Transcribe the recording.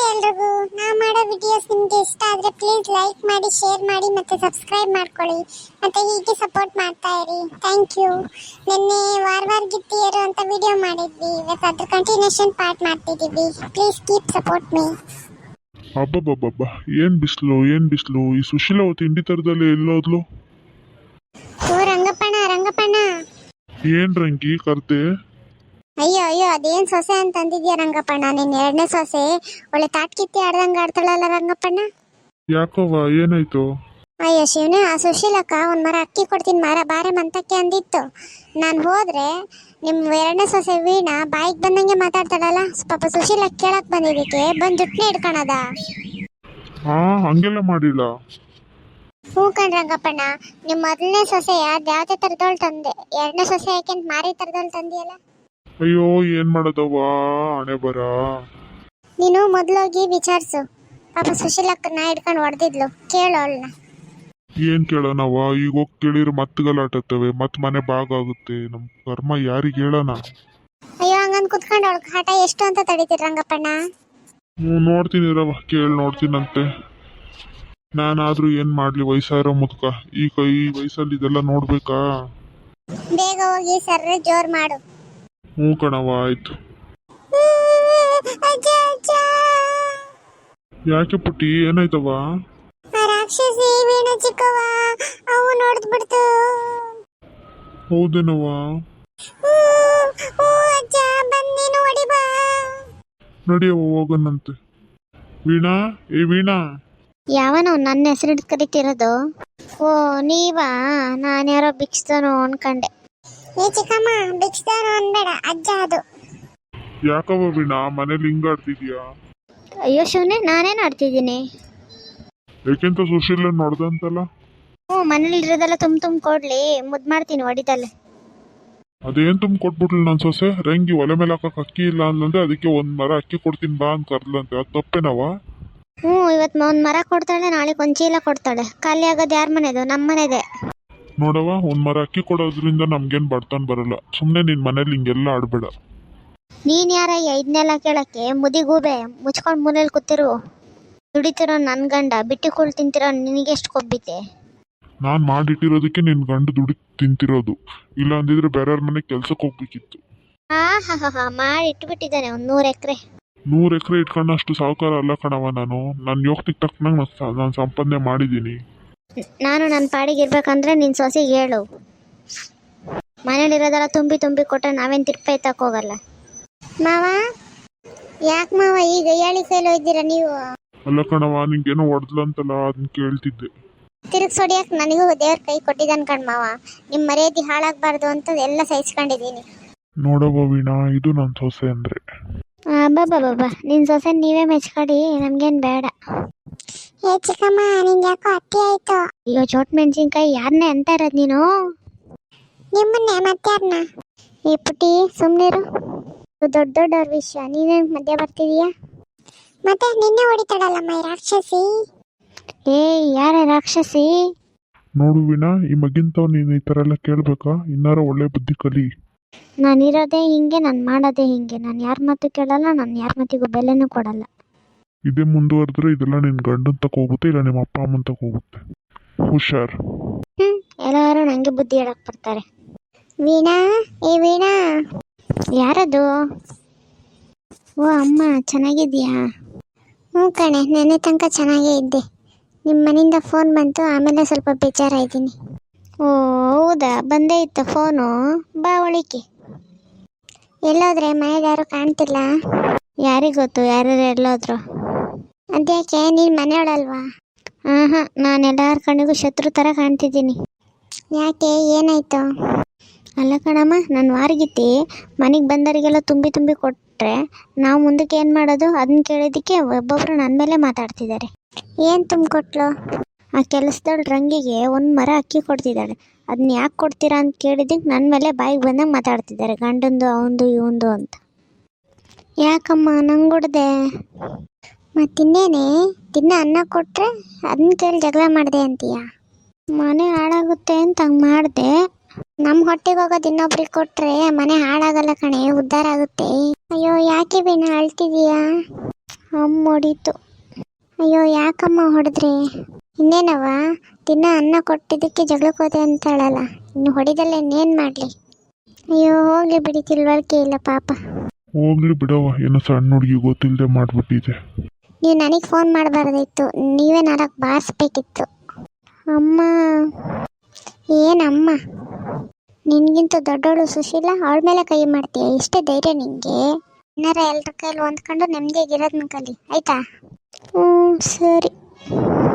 ಎಲ್ರಿಗೂ ನಾ ಮಾಡೋ ವಿಡಿಯೋಸ್ ನಿಮಗೆ ಇಷ್ಟ ಆದರೆ ಪ್ಲೀಸ್ ಲೈಕ್ ಮಾಡಿ, ಶೇರ್ ಮಾಡಿ ಮತ್ತು ಸಬ್ಸ್ಕ್ರೈಬ್ ಮಾಡ್ಕೊಳ್ಳಿ. ಮತ್ತು ಹೀಗೆ ಸಪೋರ್ಟ್ ಮಾಡ್ತಾ ಇರಿ. Thank you. ನಿನ್ನೆ ವಾರ ಗಿತ್ತಿಯರು ಅಂತ ವಿಡಿಯೋ ಮಾಡಿದ್ವಿ. ಇವತ್ತು ಅದ್ರ ಕಂಟಿನ್ಯೂಷನ್ ಪಾರ್ಟ್ ಮಾಡ್ತಿದ್ದೀವಿ. Please keep support me. ಅಬ್ಬಬ್ಬಬ್ಬ, ಏನ್ ಬಿಸಿಲು ಈ ಸುಶೀಲ ತಿಂಡಿ ತರದಲ್ಲಿ ಎಲ್ಲೋದ್ಲು? ಓ ರಂಗಪ್ಪಣ್ಣ ಏನ್ ರಂಗಿ ಕರ್ದೆ? ಅಯ್ಯೋ ಅದೇನ್ ಸೊಸೆ ಅಂತ ಅಂದಿದ್ಯಾ ರಂಗಪ್ಪಣ್ಣ? ನಿನ್ ಎರಡನೇ ಸೊಸೆ ಒಳ್ಳೆ ತಾಟ್ಕಿತ್ತಿ ಆಡ್ದಂಗ ಆಡ್ತಾಳಲ್ಲ ರಂಗಪ್ಪಣ್ಣ. ಯಾಕವ್ವ, ಏನಾಯ್ತು? ಅಯ್ಯೋ ಶಿವನೇ, ಆ ಸುಶೀಲಕ್ಕ ಒಂದ್ ಮರ ಅಕ್ಕಿ ಕೊಡ್ತೀನಿ ಬಾರೆ ಮಂತಕ್ಕೆ ಅಂದಿತ್ತು. ನಾನು ಹೋದ್ರೆ ನಿಮ್ ಎರಡನೇ ಸೊಸೆ ವೀಣಾ ಬಾಯಿಗೆ ಬಂದಂಗೆ ಮಾತಾಡ್ತಾಳಲ್ಲ. ಪಾಪ ಸುಶೀಲ ಕೇಳಕ್ ಬಂದಿದ್ದಕ್ಕೆ ಬಂದ್ ಜುಟ್ನೆ ಇಟ್ಕೊಳದ. ಹಾ, ಹಂಗೆಲ್ಲ ಮಾಡಿಲ್ಲ. ಹ್ಞೂ ಕಣ್ ರಂಗಪ್ಪಣ್ಣ, ನಿಮ್ ಮೊದಲನೇ ಸೊಸೆ ಯಾವ್ದೇ ತರದೋಳ್ ತಂದೆ, ಎರಡನೇ ಸೊಸೆ ಯಾಕೆಂತ ಮಾರಿ ತರದೋಳ್ ತಂದಿಯಲ್ಲ. ಅಯ್ಯೋ, ಏನ್ ಮಾಡೋದವ್ವ, ಹಣೆ ಬರ. ನೀನು ಮೊದ್ಲೋಗಿ ವಿಚಾರಿಸು. ಪಾಪ ಸುಶೀಲಕ್ಕನ್ನ ಹಿಡ್ಕೊಂಡು ಹೊಡೆದಿದ್ಲು, ಕೇಳು ಅವಳನ್ನ. ಏನ್ ಕೇಳೋಣವ್ವ, ಈಗ ಹೋಗಿ ಕೇಳಿದ್ರೆ ಮತ್ತೆ ಗಲಾಟತ್ತವೆ, ಮತ್ ಮನೆ ಬಾಗಾಗುತ್ತೆ. ನಮ್ ಕರ್ಮ ಯಾರಿಗೆ ಹೇಳೋಣ? ಅಯ್ಯೋ, ಹಂಗಂದ್ ಕುತ್ಕೊಂಡು ಅವಳ ಕಾಟ ಎಷ್ಟು ಅಂತ ತಡೀತೀರಿ ರಂಗಪ್ಪಣ್ಣ? ನೋಡ್ತೀನಿ ರವ, ಕೇಳಿ ನೋಡ್ತೀನಂತೆ. ನಾನಾದ್ರೂ ಏನ್ ಮಾಡ್ಲಿ, ವಯಸ್ಸಾಗಿರೋ ಮುದ್ಕ ಈ ವಯಸ್ಸಲ್ಲಿ ಇದೆಲ್ಲ ನೋಡ್ಬೇಕಾ? ಬೇಗ ಹೋಗಿ ಸರ್ರೆ ಜೋರ್ ಮಾಡು. ಹ್ಞೂ ಕಣವ್ವ, ಆಯ್ತು. ಯಾಕೆ ಪುಟ್ಟಿ, ಏನಾಯ್ತವ್ವ? ರಾಕ್ಷಸಿ ವೀಣ ಚಿಕ್ಕವ್ವ, ಅವು ನೋಡ್ದು ಬಿಡ್ತು. ಹೌದೇನವ್ವ? ಅಜ್ಜ ಬಂದೇನು ಹೊಡಿ ಬಾ. ನಡಿಯವ್ವ, ಹೋಗನಂತೆ. ವೀಣಾ, ವೀಣಾ. ಯಾವನೋ ನನ್ನ ಹೆಸರು ಕರಿತಿರೋದು? ಓ ನೀವಾ? ನಾನು ಯಾರೋ ಭಿಕ್ಷದನು ಅನ್ಕಂಡೆ. ಏ ಚಿಕ್ಕಮ್ಮ, ಭಿಕ್ಷದನು ಅನ್ಬೇಡ, ಅಜ್ಜ ಅದು. ಯಾಕವ್ವ ವೀಣಾ, ಮನೇಲಿ ಹಿಂಗ ಆಡ್ತಿದ್ಯಾ? ಅಯ್ಯೋ ಶಿವನೇ, ನಾನೇನು ಆಡ್ತಿದ್ದೀನಿ? ಯಾಕೆಂತ ಸುಶೀಲ ನೋಡ್ದಂತಲ್ಲ? ಹ್ಞೂ, ಮನೇಲಿ ಇರೋದೆಲ್ಲ ತುಂಬ ಕೊಡ್ಲಿ, ಮುದ್ದು ಮಾಡ್ತೀನಿ ಹೊಡಿದಲ್ಲೇ. ಅದೇನ್ ಕೊಟ್ಬಿಟ್ಲು ನನ್ನ ಸೊಸೆ. ರಂಗಿ ಒಲೆ ಮೇಲೆ ಹಾಕಕ್ ಅಕ್ಕಿ ಇಲ್ಲ ಅಂದಂತೆ, ಅದಕ್ಕೆ ಒಂದ್ ಮರ ಅಕ್ಕಿ ಕೊಡ್ತೀನಿ ಬಾ ಅಂತ ಕರ್ಲಂತೆ. ಅದು ತಪ್ಪೇನವ? ಹ್ಞೂ, ಇವತ್ತು ಒಂದು ಮರ ಕೊಡ್ತಾಳೆ, ನಾಳೆ ಒಂದು ಚೀಲ ಕೊಡ್ತಾಳೆ. ಖಾಲಿ ಆಗೋದು ಯಾರ ಮನೆದು? ನಮ್ಮ ಮನೆದೆ. ನೋಡವ, ಒಂದ್ ಮರ ಅಕ್ಕಿ ಕೊಡೋದ್ರಿಂದ ನಮ್ಗೇನ್ ಬಡ್ತಾನ್ ಬರಲ್ಲ. ಸುಮ್ನೆ ನಿನ್ ಮನೇಲಿ ಹಿಂಗೆಲ್ಲ ಆಡ್ಬೇಡ. ನೀನ್ ಯಾರ ಇದನ್ನೆಲ್ಲ ಕೇಳಕ್ಕೆ? ಮುದಿಗೂಬೆ, ಮುಚ್ಕೊಂಡು ಮೂಲೆಯಲ್ಲಿ ಕೂತಿರು. ದುಡಿತಿರೋ ನನ್ನ ಗಂಡ ಬಿಟ್ಟಿ ಕೂಳ್ ತಿಂತಿರೋ ನಿನಗೆಷ್ಟು ಕೊಬ್ಬಿತೆ? ನಾನ್ ಮಾಡಿಟ್ಟಿರೋದಕ್ಕೆ ನಿನ್ ಗಂಡು ದುಡಿ ತಿಂತಿರೋದು. ಇಲ್ಲ ಅಂದಿದ್ರೆ ಬೇರೆಯವ್ರ ಮನೆಗೆ ಕೆಲ್ಸಕ್ಕೆ ಹೋಗ್ಬೇಕಿತ್ತು. ಹಾ ಮಾಡಿ ಇಟ್ಬಿಟ್ಟಿದ್ದಾನೆ ಒಂದು 100 ಎಕರೆ. 100 ಎಕರೆ ಇಟ್ಕೊಂಡಷ್ಟು ಸಾಹುಕಾರ ಅಲ್ಲ ಕಣವ ನಾನು. ನನ್ನ ಯೋಗ್ತಿಗೆ ತಕ್ಕನಂಗೆ ನಾನು ಸಂಪಾದನೆ ಮಾಡಿದ್ದೀನಿ. ನಾನು ನನ್ನ ಪಾಡಿಗೆ ಇರ್ಬೇಕಂದ್ರೆ ನಿನ್ನ ಸೊಸೆಗೆ ಹೇಳು. ಮನೇಲಿರೋದೆಲ್ಲ ತುಂಬಿ ಕೊಟ್ಟರೆ ನಾವೇನು ತಿರ್ಪೈ ತಕ್ಕೋಗಲ್ಲ. ಮಾವ, ಯಾಕೆ ಮಾವ ಈಗ ಹೇಳಿ ಕೈಲೋ ಇದ್ದೀರಾ ನೀವು? ಅಲ್ಲ ಕಣವ, ನಿಂಗೇನೋ ಹೊಡೆದ್ಲಂತಲ್ಲ, ಅದನ್ನ ಕೇಳ್ತಿದ್ದೆ. ತಿರುಗಿ ಸೊಡಿಯಕ್ಕೆ ನನಗೂ ದೇವ್ರ ಕೈ ಕೊಟ್ಟಿದ್ದಾನೆ ಕಣ್ ಮಾವ. ನಿಮ್ಮ ಮರ್ಯಾದೆ ಹಾಳಾಗಬಾರ್ದು ಅಂತ ಎಲ್ಲ ಸಹಿಸ್ಕೊಂಡಿದ್ದೀನಿ. ನೋಡವ ವೀಣಾ, ಇದು ನನ್ನ ಸೊಸೆ ಅಂದ್ರೆ. ಬಾಬಾ ನಿನ್ನ ಸೊಸೆ ನೀವೇ ಮೆಚ್ಕೊಡಿ, ನಮ್ಗೇನು ಬೇಡ. ಏ ಚಿಕ್ಕಮ್ಮ, ನಿಂಗೆ ಯಾಕೋ ಅತ್ತಿ ಆಯ್ತು. ಅಯ್ಯೋ ಚೋಟ್ ಮೆಣಸಿನ್ಕಾಯಿ, ಯಾರನ್ನೇ ಅಂತ ಇರೋದು ನೀನು? ನಿಮ್ಮನ್ನೇ, ಮತ್ತಾರನ್ನ? ಈ ಪುಟಿ ಸುಮ್ಮನಿರು, ದೊಡ್ಡವ್ರ ವಿಷಯ ನೀನೇನು ಮಧ್ಯ ಬರ್ತಿದೀಯಾ? ಮತ್ತೆ ನಿನ್ನೆ ಹೊಡಿತಾಳಲ್ಲ ಮೈ ರಾಕ್ಷಸಿ. ಏ ಯಾರ ರಾಕ್ಷಸಿ? ನೋಡು ವೀಣಾ, ಈ ಮಗಿಂತವ್ ನೀನು ಈ ಥರ ಎಲ್ಲ ಕೇಳ್ಬೇಕಾ? ಇನ್ನಾರ ಒಳ್ಳೆ ಬುದ್ಧಿ ಕಲಿ. ನಾನಿರೋದೇ ಹಿಂಗೆ, ನಾನು ಮಾಡೋದೇ ಹಿಂಗೆ. ನಾನು ಯಾರ ಮಾತು ಕೇಳಲ್ಲ, ನಾನು ಯಾರ ಮಾತಿಗೂ ಬೆಲೆನೂ ಕೊಡಲ್ಲ. ಇದೇ ಮುಂದುವರೆದ್ರೆ ಇದೆಲ್ಲ ನಿನ್ ಗಂಡನ್ ತಕ ಹೋಗುತ್ತೆ, ಇಲ್ಲ ನಿಮ್ಮ ಅಪ್ಪ ಅಮ್ಮನ್ ತಕ ಹೋಗುತ್ತೆ. ಹುಷಾರ್. ಎಲ್ಲರೂ ನಂಗೆ ಬುದ್ಧಿ ಹೇಳಕ್ ಬರ್ತಾರೆ. ವೀಣಾ, ವೀಣಾ. ಯಾರದು? ಓ ಅಮ್ಮ, ಚೆನ್ನಾಗಿದ್ಯಾ? ಹ್ಞೂ ಕಣೆ, ನೆನ್ನೆ ತನಕ ಚೆನ್ನಾಗೇ ಇದ್ದೆ. ನಿಮ್ಮ ಮನೆಯಿಂದ ಫೋನ್ ಬಂತು, ಆಮೇಲೆ ಸ್ವಲ್ಪ ಬೇಜಾರಾಯಿದ್ದೀನಿ. ಓ ಹೌದಾ, ಬಂದೇ ಇತ್ತು ಫೋನು. ಬಾ ಒಳಿಕೆ. ಎಲ್ಲೋದ್ರೆ? ಮನೇಲಿ ಯಾರು ಕಾಣ್ತಿಲ್ಲ. ಯಾರಿಗೆ ಗೊತ್ತು ಯಾರ್ಯಾರು ಎಲ್ಲೋದ್ರು? ಅದ್ಯಾಕೆ, ನೀನು ಮನೆಯೊಳಲ್ವಾ? ಹಾಂ, ನಾನು ಎಲ್ಲರ ಕಣ್ಣಿಗೂ ಶತ್ರು ಥರ ಕಾಣ್ತಿದ್ದೀನಿ. ಯಾಕೆ, ಏನಾಯ್ತು? ಅಲ್ಲ ಕಣಮ್ಮ, ನನ್ನ ವಾರಗಿತ್ತಿ ಮನೆಗೆ ಬಂದವರಿಗೆಲ್ಲ ತುಂಬಿ ಕೊಟ್ಟರೆ ನಾವು ಮುಂದಕ್ಕೆ ಏನು ಮಾಡೋದು? ಅದನ್ನ ಕೇಳಿದ್ದಕ್ಕೆ ಒಬ್ಬೊಬ್ಬರು ನನ್ನ ಮೇಲೆ ಮಾತಾಡ್ತಿದ್ದಾರೆ. ಏನು ತುಂಬಿಕೊಟ್ಲು? ಆ ಕೆಲಸದವಳು ರಂಗಿಗೆ ಒಂದು ಮರ ಅಕ್ಕಿ ಕೊಡ್ತಿದ್ದಾಳೆ. ಅದನ್ನ ಯಾಕೆ ಕೊಡ್ತೀರಾ ಅಂತ ಕೇಳಿದ್ದಕ್ಕೆ ನನ್ನ ಮೇಲೆ ಬಾಯಿಗೆ ಬಂದಂಗೆ ಮಾತಾಡ್ತಿದ್ದಾರೆ. ಗಂಡಂದು ಅವಂದು ಇವಂದು ಅಂತ. ಯಾಕಮ್ಮ ನಂಗೆ ಹೊಡ್ದೆ? ಮತ್ತಿನ್ನೇನೆ, ದಿನ ಅನ್ನ ಕೊಟ್ಟರೆ ಅದನ್ನ ಕೇಳಿ ಜಗಳ ಮಾಡಿದೆ ಅಂತೀಯ? ಮನೆ ಹಾಳಾಗುತ್ತೆ ಅಂತ ಹಂಗೆ ಮಾಡಿದೆ. ನಮ್ಮ ಹೊಟ್ಟೆಗೆ ಹೋಗೋದು ಇನ್ನೊಬ್ರಿಗೆ ಕೊಟ್ಟರೆ ಮನೆ ಹಾಳಾಗಲ್ಲ ಕಣೆ, ಉದ್ಧಾರ ಆಗುತ್ತೆ. ಅಯ್ಯೋ ಯಾಕೆ ಬೇನ ಅಳ್ತಿದೀಯಾ? ಅಮ್ಮ ಹೊಡೀತು. ಅಯ್ಯೋ ಯಾಕಮ್ಮ ಹೊಡೆದ್ರಿ? ಇನ್ನೇನವ ದಿನ ಅನ್ನ ಕೊಟ್ಟಿದ್ದಕ್ಕೆ ಜಗಳಕ್ಕೆ ಹೋದೆ ಅಂತಾಳಲ್ಲ, ಇನ್ನು ಹೊಡಿದಲ್ಲ ಇನ್ನೇನು ಮಾಡಲಿ? ಅಯ್ಯೋ ಹೋಗ್ಲಿ ಬಿಡಿ, ತಿಳುವಳಿಕೆ ಇಲ್ಲ ಪಾಪ. ಹೋಗ್ಲಿ ಬಿಡವ, ಏನೋ ಸಣ್ಣ ಹುಡುಗಿ ಗೊತ್ತಿಲ್ಲದೆ ಮಾಡ್ಬಿಟ್ಟಿದೆ. ನೀವು ನನಗೆ ಫೋನ್ ಮಾಡಬಾರ್ದಿತ್ತು, ನೀವೇ ನಾಲ್ಕು ಬಾರಿಸ್ಬೇಕಿತ್ತು. ಅಮ್ಮ ಏನಮ್ಮ, ನಿನ್ಗಿಂತ ದೊಡ್ಡವಳು ಸುಶೀಲ, ಅವಳ ಮೇಲೆ ಕೈ ಮಾಡ್ತೀಯ? ಇಷ್ಟೇ ಧೈರ್ಯ ನಿಂಗೆ? ಏನಾರ ಎಲ್ಲರ ಕೈಯಲ್ಲಿ ಹೊಂದ್ಕೊಂಡು ನೆಮ್ಮದಿಯಾಗಿರೋದನ್ನ ಕಲಿ ಆಯ್ತಾ? ಹ್ಞೂ ಸರಿ.